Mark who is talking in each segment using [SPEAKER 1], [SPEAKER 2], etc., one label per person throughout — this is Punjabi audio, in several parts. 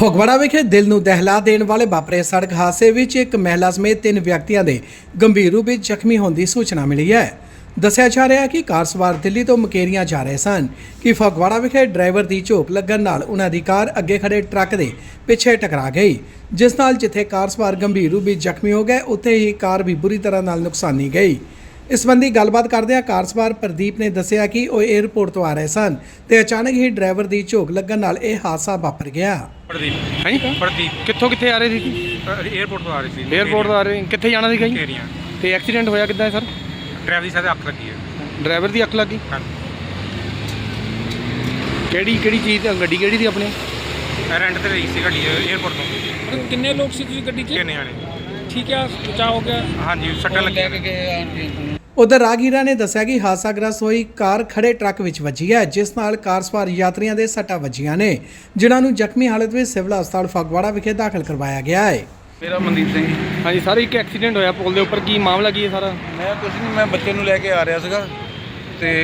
[SPEAKER 1] ਫਗਵਾੜਾ ਵਿਖੇ ਦਿਲ ਨੂੰ ਦਹਿਲਾ ਦੇਣ ਵਾਲੇ ਵਾਪਰੇ ਸੜਕ ਹਾਦਸੇ ਵਿੱਚ ਇੱਕ ਮਹਿਲਾ ਸਮੇਤ 3 ਵਿਅਕਤੀਆਂ ਦੇ ਗੰਭੀਰ ਰੂਪ ਵਿੱਚ ਜ਼ਖਮੀ ਹੋਣ ਦੀ ਸੂਚਨਾ ਮਿਲੀ ਹੈ। ਦੱਸਿਆ ਜਾ ਰਿਹਾ ਹੈ ਕਿ ਕਾਰ ਸਵਾਰ ਦਿੱਲੀ ਤੋਂ ਮੁਕੇਰੀਆਂ ਜਾ ਰਹੇ ਸਨ ਕਿ ਫਗਵਾੜਾ ਵਿਖੇ ਡਰਾਈਵਰ ਦੀ ਝੋਕ ਲੱਗਣ ਨਾਲ ਉਹਨਾਂ ਦੀ ਕਾਰ ਅੱਗੇ ਖੜੇ ਟਰੱਕ ਦੇ ਪਿੱਛੇ ਟਕਰਾ ਗਈ, ਜਿਸ ਨਾਲ ਜਿੱਥੇ ਕਾਰ ਸਵਾਰ ਗੰਭੀਰ ਰੂਪ ਵਿੱਚ ਜ਼ਖਮੀ ਹੋ ਗਏ, ਉੱਥੇ ਹੀ ਕਾਰ ਵੀ ਬੁਰੀ ਤਰ੍ਹਾਂ ਨਾਲ ਨੁਕਸਾਨੀ ਗਈ। ਇਸ ਸੰਬੰਧੀ ਗੱਲਬਾਤ ਕਰਦਿਆਂ ਕਾਰ ਸਵਾਰ ਪ੍ਰਦੀਪ ਨੇ ਦੱਸਿਆ ਕਿ ਉਹ 에ਅਰਪੋਰਟ ਤੋਂ ਆ ਰਹੇ ਸਨ ਤੇ ਅਚਾਨਕ ਹੀ ਡਰਾਈਵਰ ਦੀ ਝੋਕ ਲੱਗਣ ਨਾਲ ਇਹ ਹਾਦਸਾ ਵਾਪਰ ਗਿਆ।
[SPEAKER 2] ਪ੍ਰਦੀਪ ਕਿੱਥੇ ਆ ਰਹੇ ਸੀ?
[SPEAKER 3] 에ਅਰਪੋਰਟ ਤੋਂ ਆ ਰਹੀ ਸੀ।
[SPEAKER 2] 에ਅਰਪੋਰਟ ਤੋਂ ਆ ਰਹੇ ਕਿੱਥੇ ਜਾਣਾ ਸੀਗਾ ਜੀ?
[SPEAKER 3] ਮੁਕੇਰੀਆਂ।
[SPEAKER 2] ਤੇ ਐਕਸੀਡੈਂਟ ਹੋਇਆ ਕਿੱਦਾਂ ਹੈ ਸਰ?
[SPEAKER 3] ਡਰਾਈਵਰ ਦੀ ਸਾਡੇ ਅੱਖ ਲੱਗੀ ਹੈ।
[SPEAKER 2] ਡਰਾਈਵਰ ਦੀ ਅੱਖ ਲੱਗੀ?
[SPEAKER 3] ਹਾਂਜੀ।
[SPEAKER 2] ਕਿਹੜੀ ਚੀਜ਼ ਤੇ ਗੱਡੀ ਕਿਹੜੀ ਸੀ ਆਪਣੀ?
[SPEAKER 3] ਰੈਂਟ ਤੇ ਲਈ ਸੀ ਗੱਡੀ 에ਅਰਪੋਰਟ ਤੋਂ।
[SPEAKER 4] ਕਿੰਨੇ ਲੋਕ ਸੀ ਤੁਸੀਂ ਗੱਡੀ 'ਚ?
[SPEAKER 3] ਕਿੰਨੇ ਆਣੇ?
[SPEAKER 4] ਠੀਕ ਹੈ, ਬਚਾਅ ਹੋ ਗਿਆ।
[SPEAKER 3] ਹਾਂਜੀ, ਸੱਟਾਂ ਲੱਗੀਆਂ।
[SPEAKER 1] ਉਧਰ ਰਾਹਗੀਰਾਂ ਨੇ ਦੱਸਿਆ ਕਿ ਹਾਦਸਾਗ੍ਰਸਤ ਹੋਈ ਕਾਰ ਖੜੇ ਟਰੱਕ ਵਿੱਚ ਵੱਜੀ ਹੈ, ਜਿਸ ਨਾਲ ਕਾਰ ਸਵਾਰ ਯਾਤਰੀਆਂ ਦੇ ਸੱਟਾਂ ਵੱਜੀਆਂ ਨੇ, ਜਿਨ੍ਹਾਂ ਨੂੰ ਜ਼ਖਮੀ ਹਾਲਤ ਵਿੱਚ ਸਿਵਲ ਹਸਪਤਾਲ ਫਗਵਾੜਾ ਵਿਖੇ ਦਾਖਲ ਕਰਵਾਇਆ ਗਿਆ ਹੈ।
[SPEAKER 5] ਮੇਰਾ ਮਨਦੀਪ ਸਿੰਘ ਜੀ।
[SPEAKER 2] ਹਾਂਜੀ ਸਰ, ਇੱਕ ਐਕਸੀਡੈਂਟ ਹੋਇਆ ਪੁਲ ਦੇ ਉੱਪਰ, ਕੀ ਮਾਮਲਾ ਕੀ ਹੈ ਸਾਰਾ?
[SPEAKER 5] ਮੈਂ ਕੁਝ ਨਹੀਂ, ਮੈਂ ਬੱਚੇ ਨੂੰ ਲੈ ਕੇ ਆ ਰਿਹਾ ਸੀਗਾ ਤੇ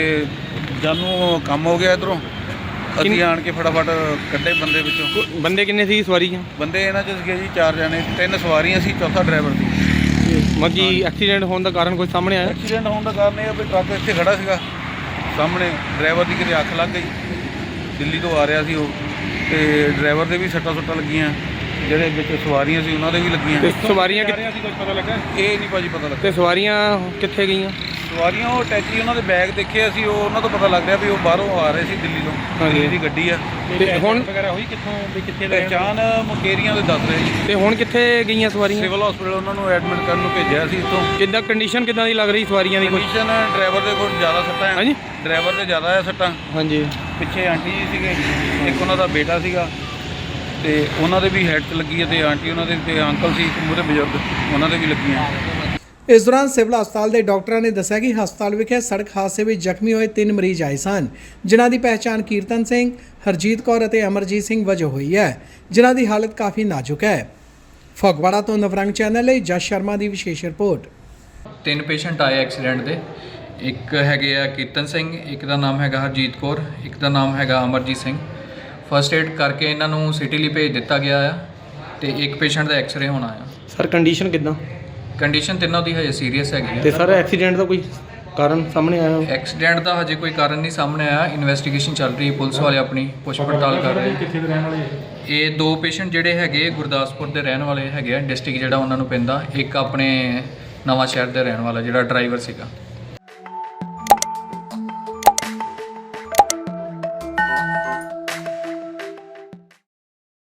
[SPEAKER 5] ਜਾਨੂੰ ਕੰਮ ਹੋ ਗਿਆ ਇਧਰੋਂ। ਅਸੀਂ ਆਣ ਕੇ ਫਟਾਫਟ ਕੱਢੇ ਬੰਦੇ ਵਿੱਚੋਂ।
[SPEAKER 2] ਬੰਦੇ ਕਿੰਨੇ ਸੀ ਸਵਾਰੀਆਂ?
[SPEAKER 5] ਬੰਦੇ ਇਹਨਾਂ 'ਚ ਸੀਗੇ ਜੀ 4 ਜਣੇ, 3 ਸਵਾਰੀਆਂ ਸੀ, ਚੌਥਾ ਡਰਾਈਵਰ ਸੀ।
[SPEAKER 2] ਮੱਗੀ ਐਕਸੀਡੈਂਟ ਹੋਣ ਦਾ ਕਾਰਨ ਕੋਈ ਸਾਹਮਣੇ ਆਇਆ?
[SPEAKER 5] ਐਕਸੀਡੈਂਟ ਹੋਣ ਦਾ ਕਾਰਨ ਇਹ ਆ ਵੀ ਟਰੱਕ ਇੱਥੇ ਖੜਾ ਸੀਗਾ ਸਾਹਮਣੇ, ਡਰਾਈਵਰ ਦੀ ਕਿਤੇ ਅੱਖ ਲੱਗ ਗਈ। ਦਿੱਲੀ ਤੋਂ ਆ ਰਿਹਾ ਸੀ ਉਹ, ਤੇ ਡਰਾਈਵਰ ਦੇ ਵੀ ਸੱਟਾਂ ਲੱਗੀਆਂ, ਜਿਹੜੇ ਵਿੱਚ ਸਵਾਰੀਆਂ ਸੀ ਉਹਨਾਂ ਦੇ ਵੀ ਲੱਗੀਆਂ।
[SPEAKER 2] ਤੇ ਸਵਾਰੀਆਂ ਕਿੱਥੇ?
[SPEAKER 3] ਕੁਝ ਪਤਾ ਲੱਗਾ?
[SPEAKER 5] ਇਹ ਨਹੀਂ ਭਾਜੀ ਪਤਾ ਲੱਗਾ।
[SPEAKER 2] ਤੇ ਸਵਾਰੀਆਂ ਕਿੱਥੇ ਗਈਆਂ?
[SPEAKER 5] ਸਵਾਰੀਆਂ ਉਹ ਟੈਚੀ, ਉਹਨਾਂ ਦੇ ਬੈਗ ਦੇਖੇ ਅਸੀਂ, ਉਹ ਉਹਨਾਂ ਤੋਂ ਪਤਾ ਲੱਗ ਰਿਹਾ ਵੀ ਉਹ ਬਾਹਰੋਂ ਆ ਰਹੇ ਸੀ ਦਿੱਲੀ ਤੋਂ। ਦਿੱਲੀ ਦੀ ਗੱਡੀ ਆ।
[SPEAKER 2] ਤੇ ਹੁਣ
[SPEAKER 3] ਵਗੈਰਾ ਹੋਈ ਕਿੱਥੋਂ ਵੀ ਕਿੱਥੇ ਦਾ?
[SPEAKER 5] ਪਹਿਚਾਣ ਮੁਕੇਰੀਆਂ ਦੇ ਦੱਸ ਰਹੇ ਜੀ।
[SPEAKER 2] ਤੇ ਹੁਣ ਕਿੱਥੇ ਗਈਆਂ ਸਵਾਰੀਆਂ?
[SPEAKER 5] ਸਿਵਲ ਹਸਪੀਟਲ ਉਹਨਾਂ ਨੂੰ ਐਡਮਿਟ ਕਰਨ ਨੂੰ ਭੇਜਿਆ ਸੀ ਇੱਥੋਂ।
[SPEAKER 2] ਕਿੱਦਾਂ ਕੰਡੀਸ਼ਨ ਕਿੱਦਾਂ ਦੀ ਲੱਗ ਰਹੀ ਸਵਾਰੀਆਂ ਦੀ? ਕੋਈ
[SPEAKER 5] ਕੰਡੀਸ਼ਨ ਡਰਾਈਵਰ ਦੇ ਕੋਲ ਜ਼ਿਆਦਾ ਸੱਟਾਂ ਹੈ।
[SPEAKER 2] ਹਾਂਜੀ,
[SPEAKER 5] ਡਰਾਈਵਰ ਦੇ ਜ਼ਿਆਦਾ ਹੈ ਸੱਟਾਂ।
[SPEAKER 2] ਹਾਂਜੀ।
[SPEAKER 5] ਪਿੱਛੇ ਆਂਟੀ ਜੀ ਸੀਗੇ, ਇੱਕ ਉਹਨਾਂ ਦਾ ਬੇਟਾ ਸੀਗਾ ਤੇ ਉਹਨਾਂ ਦੇ ਵੀ ਹੈਡ 'ਚ ਲੱਗੀ ਹੈ, ਤੇ ਆਂਟੀ ਉਹਨਾਂ ਦੇ ਤੇ ਅੰਕਲ ਸੀ ਇੱਕ ਮੂਹਰੇ ਬਜ਼ੁਰਗ, ਉਹਨਾਂ ਦੇ ਵੀ ਲੱਗੀਆਂ।
[SPEAKER 1] ਇਸ ਦੌਰਾਨ ਸਿਵਲ ਹਸਪਤਾਲ ਦੇ ਡਾਕਟਰਾਂ ਨੇ ਦੱਸਿਆ ਕਿ ਹਸਪਤਾਲ ਵਿਖੇ ਸੜਕ ਹਾਦਸੇ ਵਿੱਚ ਜ਼ਖਮੀ ਹੋਏ 3 ਮਰੀਜ਼ ਆਏ ਸਨ, ਜਿਨ੍ਹਾਂ ਦੀ ਪਹਿਚਾਣ ਕੀਰਤਨ ਸਿੰਘ, ਹਰਜੀਤ ਕੌਰ ਅਤੇ ਅਮਰਜੀਤ ਸਿੰਘ ਵਜੋਂ ਹੋਈ ਹੈ, ਜਿਨ੍ਹਾਂ ਦੀ ਹਾਲਤ ਕਾਫੀ ਨਾਜ਼ੁਕ ਹੈ। ਫਗਵਾੜਾ ਤੋਂ ਨਵਰੰਗ ਚੈਨਲ ਲਈ ਜਸ ਸ਼ਰਮਾ ਦੀ ਵਿਸ਼ੇਸ਼ ਰਿਪੋਰਟ।
[SPEAKER 6] 3 ਪੇਸ਼ੈਂਟ ਆਏ ਐਕਸੀਡੈਂਟ ਦੇ। ਇੱਕ ਹੈਗੇ ਆ ਕੀਰਤਨ ਸਿੰਘ, ਇੱਕ ਦਾ ਨਾਮ ਹੈਗਾ ਹਰਜੀਤ ਕੌਰ, ਇੱਕ ਦਾ ਨਾਮ ਹੈਗਾ ਅਮਰਜੀਤ ਸਿੰਘ। ਫਸਟ ਏਡ ਕਰਕੇ ਇਹਨਾਂ ਨੂੰ ਸਿਟੀ ਲਈ ਭੇਜ ਦਿੱਤਾ ਗਿਆ ਆ ਤੇ ਇੱਕ ਪੇਸ਼ੈਂਟ ਦਾ ਐਕਸ-ਰੇ ਹੋਣਾ ਆ।
[SPEAKER 2] ਸਰ ਕੰਡੀਸ਼ਨ ਕਿੱਦਾਂ?
[SPEAKER 6] ਕੰਡੀਸ਼ਨ ਤਿੰਨੋਂ ਦੀ ਹਜੇ ਸੀਰੀਅਸ ਹੈਗੀ
[SPEAKER 2] ਤੇ
[SPEAKER 6] ਆ।
[SPEAKER 2] ਸਰ ਐਕਸੀਡੈਂਟ ਦਾ ਕੋਈ ਕਾਰਨ ਸਾਹਮਣੇ ਆਇਆ?
[SPEAKER 6] ਐਕਸੀਡੈਂਟ ਦਾ ਹਜੇ ਕੋਈ ਕਾਰਨ ਨਹੀਂ ਸਾਹਮਣੇ ਆਇਆ। ਇਨਵੈਸਟੀਗੇਸ਼ਨ ਚੱਲ ਰਹੀ ਹੈ, ਪੁਲਿਸ ਵਾਲੇ ਆਪਣੀ ਪੁੱਛ ਪੜਤਾਲ ਕਰ ਰਹੇ।
[SPEAKER 3] ਕਿੱਥੇ ਦੇ ਰਹਿਣ ਵਾਲੇ?
[SPEAKER 6] ਇਹ 2 ਪੇਸ਼ੈਂਟ ਜਿਹੜੇ ਹੈਗੇ ਗੁਰਦਾਸਪੁਰ ਦੇ ਰਹਿਣ ਵਾਲੇ ਹੈਗੇ ਆ, ਡਿਸਟ੍ਰਿਕਟ ਜਿਹੜਾ ਉਹਨਾਂ ਨੂੰ ਪੈਂਦਾ। ਇੱਕ ਆਪਣੇ ਨਵਾਂ ਸ਼ਹਿਰ ਦੇ ਰਹਿਣ ਵਾਲਾ ਜਿਹੜਾ ਡਰਾਈਵਰ ਸੀਗਾ।